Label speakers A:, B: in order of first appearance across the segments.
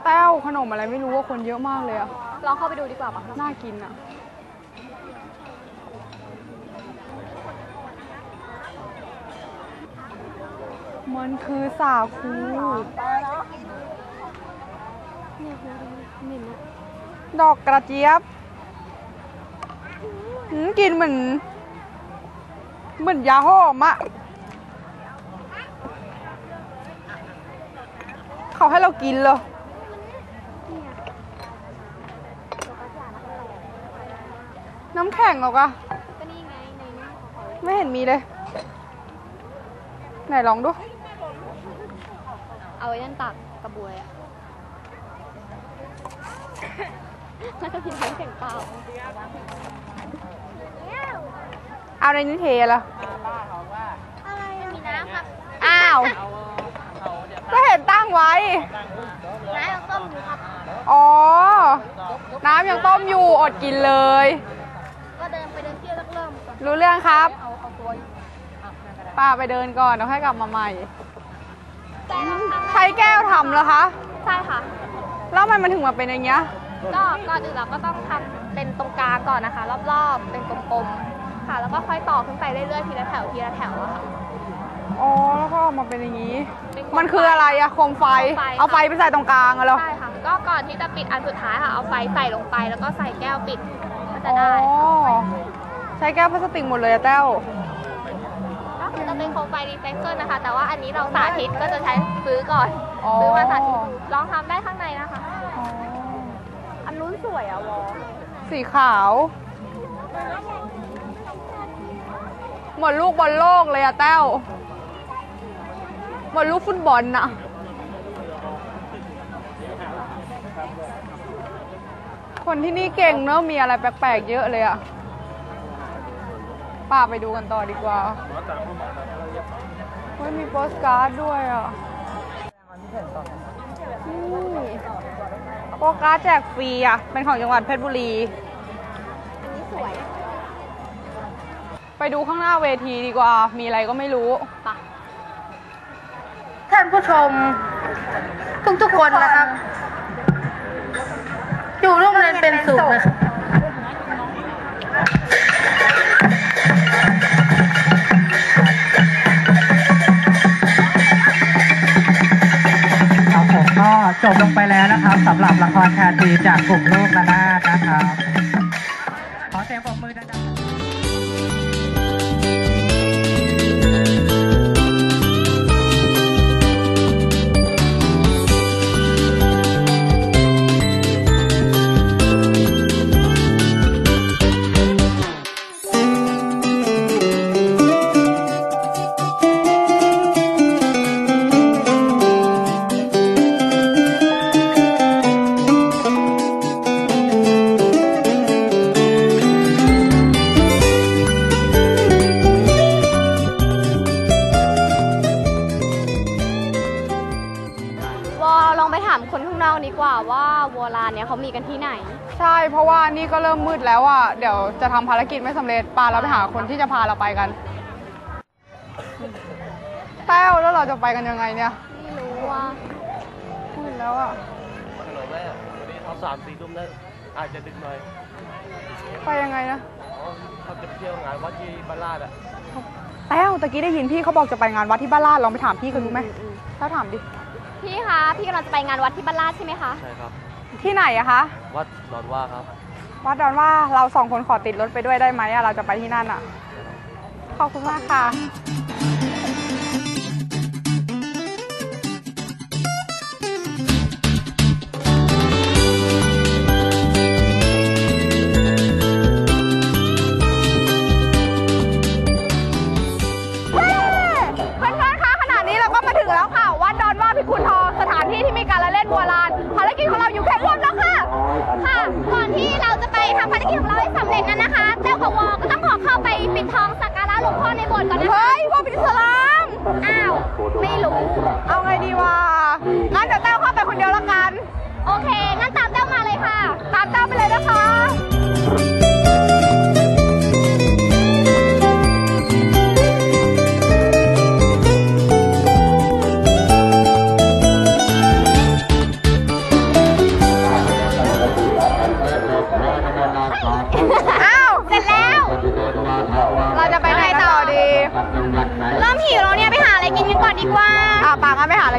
A: แต้วขนมอะไรไม่รู้ว่าคนเยอะมากเลยอะ
B: ลองเข้าไปดูดีกว่าปะ
A: น่ากินอะมันคือสาคูดอกกระเจี๊ยบกินเหมือนยาหอมอะเขาให้เรากินเลยน้ำแข็งหรอกอะ
B: ก็นี่ไงในนี้
A: ไม่เห็นมีเลยไหนลองดู
B: เอาไว้นั่นตักกระบวยอะแล้วก็กินน้ำแข็งเปล่า
A: เอาในนี้เทละ
B: อะไรมีน้ำครับ
A: อ้าวก็เห็นตั้งไว้
B: น้ำยังต้มอยู่ครับ
A: อ๋อน้ำยังต้มอยู่อดกินเลย
B: ก็เดินไปเดินเที่ยวเริ่มก่อน
A: รู้เรื่องครับป้าไปเดินก่อนแล้วค่อยกลับมาใหม่ใช้แก้วทำเหรอคะ
B: ใช่ค่ะ
A: แล้วมันถึงมาเป็นอย่างเงี้ย
B: ก็ก่อนอื่นเราก็ต้องทำเป็นตรงกลางก่อนนะคะรอบๆเป็นกลมๆค่ะแล้วก็ค่อยต่อขึ้นไปเรื่อยๆทีละแถวทีละแถวอะค่ะ
A: อ๋อแล้วก็ออกมาเป็นอย่างนี้มันคืออะไรอะโคมไฟเอาไฟไปใส่ตรงกลางเหรอ
B: ใช่ค่ะก็ก่อนที่จะปิดอันสุดท้ายค่ะเอาไฟใส่ลงไปแล้วก็ใส่แก้วปิดก็จะได้
A: ใช้แก้วพลาสติกหมดเลยอะแต้ว
B: ก็จะเป็นโคมไฟรีไซเคิลนะคะแต่ว่าอันนี้เราสาธิตก็จะใช้ซื้อก่อนซื้อมาสาธิตลองทำได้ข้างในนะคะอันนู้นสวยอะวอ
A: สีขาวเหมือนลูกบอลโลกเลยอะแต้วเหมือนลูกฟุตบอลน่ะคนที่นี่เก่งเนอะมีอะไรแปลกๆเยอะเลยอะป้าไปดูกันต่อดีกว่าเฮ้ยมีโปสการ์ดด้วยอะโปสการ์ดแจกฟรีอะเป็นของจังหวัดเพชรบุรี
B: อันนี้สวย
A: ไปดูข้างหน้าเวทีดีกว่ามีอะไรก็ไม่รู้
C: ท่านผู้ชมทุกคนนะครับอยู่ร่วมเรียนเป็นสุขนะครับครับผมก็จบลงไปแล้วนะครับสำหรับละครชาตรีจากกลุ่มลูกระนาดนะครับขอเสียงปรบมือดังๆ
B: คนข้างนอกดีกว่าว่าวัวลานเนี่ยเขามีกันที่ไหน
A: ใช่เพราะว่านี่ก็เริ่มมืดแล้วอ่ะเดี๋ยวจะทำภารกิจไม่สำเร็จปาเราไปหาคนที่จะพาเราไปกันแต้วแล้วเราจะไปกันยังไงเนี่ย
B: ไม่รู้ว่า
A: มืดแล้วอ่ะ
D: ถนนแม่วันนี้เขา3-4 ทุ่มแล้วอาจจะดึกหน่อย
A: ไปยังไงนะ
D: เขาจะไปเที่ยวงานวัดที่บ้านลาดอ่ะ
A: แต้วตะกี้ได้ยินพี่เขาบอกจะไปงานวัดที่บ้านลาดลองไปถามพี่กันดูไหมแล้วถามดิ
B: พี่คะพี่กำลังจะไปงานวัดที่บ้านลาดใช่ไหมคะ
D: ใช่ครับ
A: ที่ไหนอะคะ
D: วัดดอนว่าครับ
A: วัดดอนว่าเรา2 คนขอติดรถไปด้วยได้ไหมอะเราจะไปที่นั่นอะขอบคุณมากค่ะคุณทองสถานที่ที่มีการละเล่นวัวลานภารกิจของเราอยู่แค่รวมแล้วค่ะ
B: ก่อนที่เราจะไปทำภารกิจของเราให้สำเร็จนั้นนะคะแต้วกับวอก็ต้องขอเข้าไปปิดทองสักการะหลวงพ่อในโบสถ์ก่อนนะคะ
A: เฮ้ยพ่อปิดสลาม
B: อ้าวไม่รู้
A: เอาไงดีวะงั้นเดี๋ยวแต้วเข้าไปคนเดียวละกัน
B: โอเคงั้นตามแต้วมาเลยค่ะ
A: ตามแต้วไปเลยนะคะ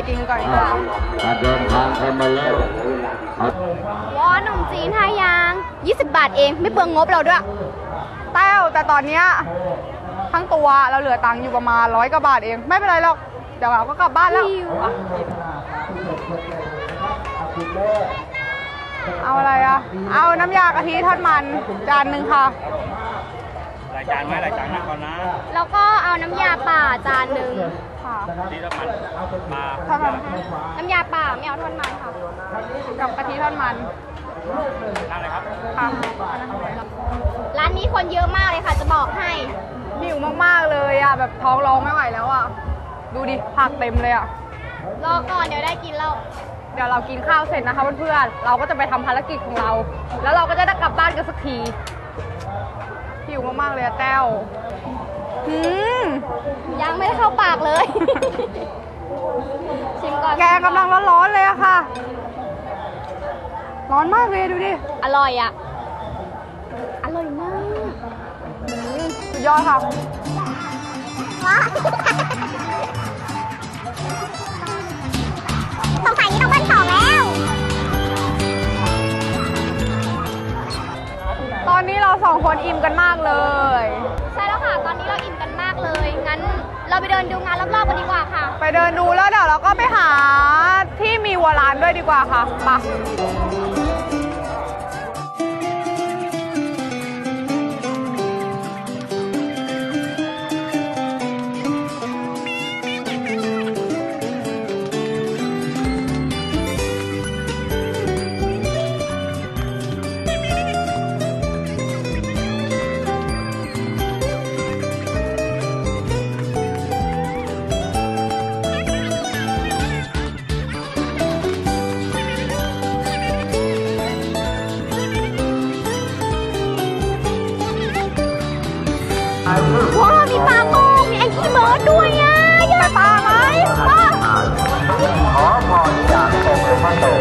A: กินก่อนดีกว่า
E: เดินทางกันมาแล้ว
B: วอขนมจีน5อย่าง20 บาทเองไม่เปลืองงบเราด้วย
A: แต้วแต่ตอนเนี้ยทั้งตัวเราเหลือตังค์อยู่ประมาณ100 กว่าบาทเองไม่เป็นไรหรอกเดี๋ยวเราก็กลับบ้านแล้วเอาอะไรอ่ะเอาน้ำยากะทิทอดมันจานหนึ่งค่ะ
D: หลายจานไหมหลายจานนะก่อนนะ
B: แล้วก็เอาน้ำยาป่าจานหนึ่ง
A: ค่ะ
D: ที่น้ำมันปลา
A: ทอดมัน
B: น้ำยาป่าไม่เอาทอดมันค่ะ
A: กับกะทิทอดมัน
D: ทานอะไรครับ
A: ค่ะ
B: ร้านนี้คนเยอะมากเลยค่ะจะบอกให้
A: หิวมากๆเลยอ่ะแบบท้องร้องไม่ไหวแล้วอ่ะดูดิผักเต็มเลยอ่ะ
B: รอก่อนเดี๋ยวได้กินแล้ว
A: เดี๋ยวเรากินข้าวเสร็จนะคะเพื่อนๆเราก็จะไปทำภารกิจของเรา แล้วเราก็จะได้กลับบ้านกันสักทีหิวมากๆเลยอะแต้ว
B: ยังไม่ได้เข้าปากเลย ชิมก่อน
A: แกงกำลังร้อนๆเลยอะค่ะ ร้อนมากเลยดูดิ
B: อร่อยอ่ะ อร่อยมาก
A: สุดยอดค่ะ
B: สงสัยนี้ต้องเบิ้ลสองแล้ว
A: ตอนนี้เรา2 คนอิ่มกันมากเลย
B: ใช่แล้วค่ะ ตอนนี้เราอิ่มกันมากเลย งั้นเราไปเดินดูงานรอบๆกันดีกว่าค่ะ
A: ไปเดินดูแล้วเดี๋ยวเราก็ไปหาที่มีวัวร้านด้วยดีกว่าค่ะไป
B: ว้าวมีปลาโป่งมีแองกี้เบิร์ดด้วยอ่ะอยากปลาไหมว้าว
E: ขอพรจากองค์หลวงพ่อโต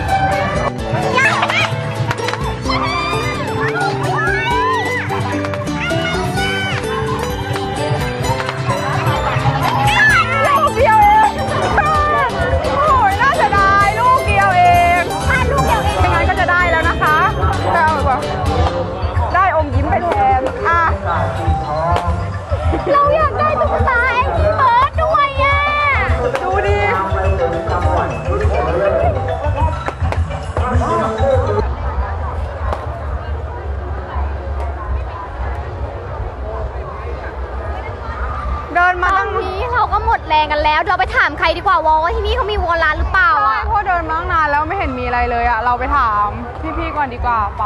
A: ลูกเดียวเองโอ้ยน่าเสียดายลูกเดียวเองถ้าลูกเดียวเองยังไงก็จะได้แล้วนะคะแต่แบบได้อมยิ้มไปแทนอ่ะ
B: เราอยากได้ตุ๊กตาแองกี้เบิร์ดด้วยอ่ะ
A: ดูดิเดินมา
B: ตอ
A: ตั้
B: น
A: ง
B: นี้เราก็หมดแรงกันแล้ว เราไปถามใครดีกว่าวอว่าที่นี่เขามีวัวร้านหรือเปล่า
A: ใช่
B: อ่ะ
A: เพราะเดินมาตั้งนานแล้วไม่เห็นมีอะไรเลยอ่ะ เราไปถามพี่ๆก่อนดีกว่าปะ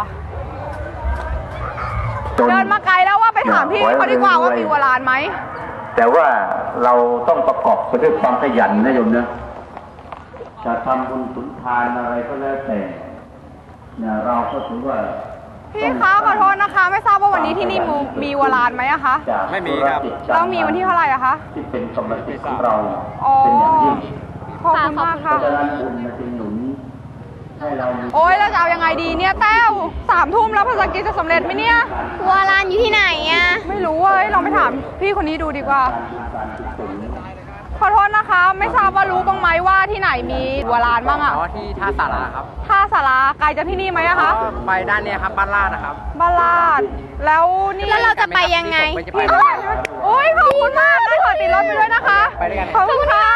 A: เดินมาไกลแล้วว่าไปถามพี่เขาดีกว่าว่ามีวัวร้านไหม
E: แต่ว่าเราต้องประกอบไปด้วยความขยันนะโยมนะจะทำบุญสุนทานอะไรก็แล้วแต่เนี่ยเราก็ถือว่า
A: พี่คะขอโทษนะคะ ไม่ทราบว่าวันนี้ที่นี่มีวัวร้านไหมอะคะ
D: ไม่มีครับ
A: แล้วมีวันที่เท่าไหร่อะคะ
E: ที่เป็นกำลังใจของเรา
A: อ๋อ
E: เป็นอย่างยิ่ง
A: ขอบคุณมาก
E: เพ
A: ค่ะ
E: ราะฉะนั้นบุญมันจึงหนุนให้เรามี
A: โอ๊ยแล้วจะเอายังไงดีเนี่ยแต้ว3 ทุ่มแล้วภารกิจจะสำเร็จไหมเนี่ย
B: วัวร้านอยู่ที่ไหนอ่ะ
A: ไม่รู้เว้ยลองไปถามพี่คนนี้ดูดีกว่า ขอโทษนะคะ ไม่ทราบว่ารู้บ้างไหมว่าที่ไหนมีวัวร้านบ้างอะ
F: อ๋อที่ท่าสาราครับ
A: ท่าสาราไกลจากที่นี่ไหมอะคะ
F: ก็ไปด้านเนี้ยครับบ้านลาดนะครับ
A: บ้านลาดแล้วนี่
B: แล้วเราจะไปยังไง
F: ผมจะไป
A: พี่ก็ได้ใช่ไหมโอ๊ยขอบคุณมากได้ขอติดรถไปด้วยนะคะ
F: ไปด้วยกัน
A: ขอบคุณค่ะ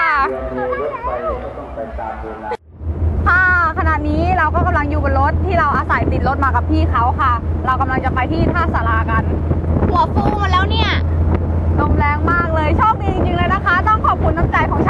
A: ค่ะขณะนี้เราก็กำลังอยู่บนรถที่เราอาศัยติดรถมากับพี่เขาค่ะ เรากำลังจะไปที่ท่าสารากัน
B: หัวฟูมาแล้วเนี่ย
A: ลมแรงมากเลยโชคดีจริงๆเลยนะคะ ต้องขอบคุณน้ำใจของ